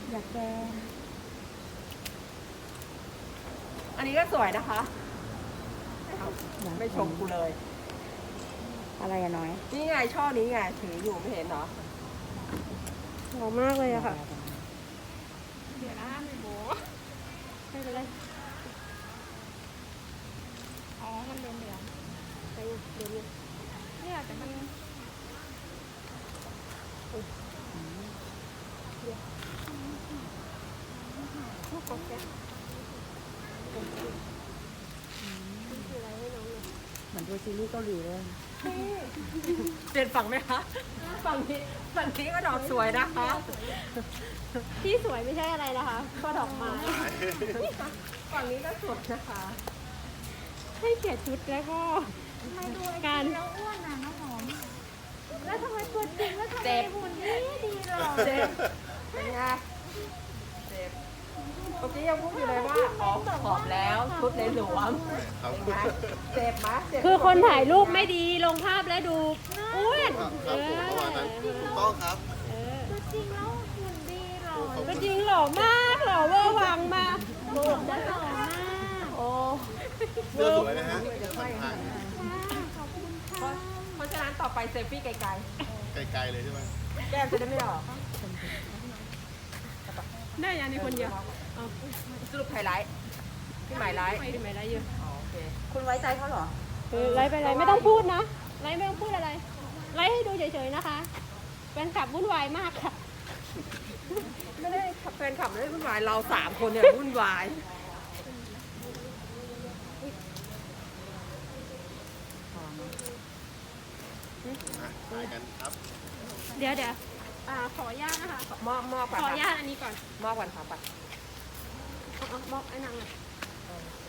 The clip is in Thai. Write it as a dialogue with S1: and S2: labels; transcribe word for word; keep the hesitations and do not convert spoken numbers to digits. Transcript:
S1: อยากแกง
S2: อันนี้ก็สวยนะคะไม่ชมกูเลย
S1: อะไรอะน้อย
S2: นี่ไงช่อนี้ไงถืออยู่ไม่เห็นเหรอ
S3: หอมมากเลยอะค่ะ
S1: เดี๋ยวนะไม่โบไม่เป็นไรอ๋อมันเหลืองเหลือง
S3: ไปเดี๋ยวนี้
S1: เนี่ยแต่มันลูกกบแก
S3: คืออะไรให้น้องเลย
S1: เหมือนดูซีรีส์เกาหลีเลย
S2: เปลี่ยนฝั่งไหมคะฝั่งนี้ฝั่งนี้ก็ดอกสวยนะคะ
S3: ที่สวยไม่ใช่อะไรนะคะ ก็ดอกไม้
S2: ฝั่งนี้ก็สวยนะคะ
S3: ให้เกียรติชุดแล้วก็
S1: ทำไมดูไอ้
S3: การ
S1: แล้วอ้วนน่ะน้องหอม แล้วทำไมตัวจริงแล้วทำไมหุ่นดีดีหรอ
S2: เจ็บเป็นไงเจ็บเมื่อกี้ยังพูดอยู่เลยว่าขอขอบแล้วชุดในหลวมเป็นไงเจ็บไหมเจ็บ
S3: คือคนถ่ายรูปไม่ดีลงภาพแล้วดูอ้วน
S4: ครับ
S3: เอ
S4: ผม
S3: อ
S4: ประมาณนั้นถูกต้องครับ
S3: เออ
S1: ตัวจริงแล้วหุ่นดีหรอ
S4: ขอบ
S3: ก็
S4: คุณ
S3: จริงหล่อมากหล่อเวอร์วังมาก
S1: โบกจะหล่อมาก
S3: โอ้
S4: เสื้อสวยนะฮะพันทาง
S1: ค่ะขอบคุณค่ะ
S2: เพราะฉะนั้นต่อไปเซลฟี่ไกล
S4: ไกลๆเลยใช่ไหม
S2: ๆ แก้มจะได้ไม่ออก
S3: ได้ยังในคนเดียวเอา
S2: สรุปไฮไลท์พี่หมายไลท์
S3: ไม่ได้ไม่ได้เยอะ
S2: อ๋อโอเค
S1: คุณไว้ใจเขาเหรอ
S3: เออไลฟ์ไปไลฟ์ไม่ต้องพูดนะไลฟ์ไม่ต้องพูดอะไรไลฟ์ให้ดูเฉยๆนะคะเป็นขับวุ่นวายมากค่ะ
S2: ไม่ได้ขับแฟนขับไม่ได้วุ่นวายเราสามคนเนี่ยวุ่นวาย
S4: อ่ะถ่ายกันครับ
S3: เดี๋ยวเดี๋ยวอ่าขออนุญาตนะคะ
S2: มอบมอบ
S3: ข
S2: ก่อน
S3: ออนุญา
S2: ค่ะ
S3: ตอันนี้ก่อน
S2: มอบก่อนค่ะไป
S3: เอาเอาบอกไอ้นางหน่อย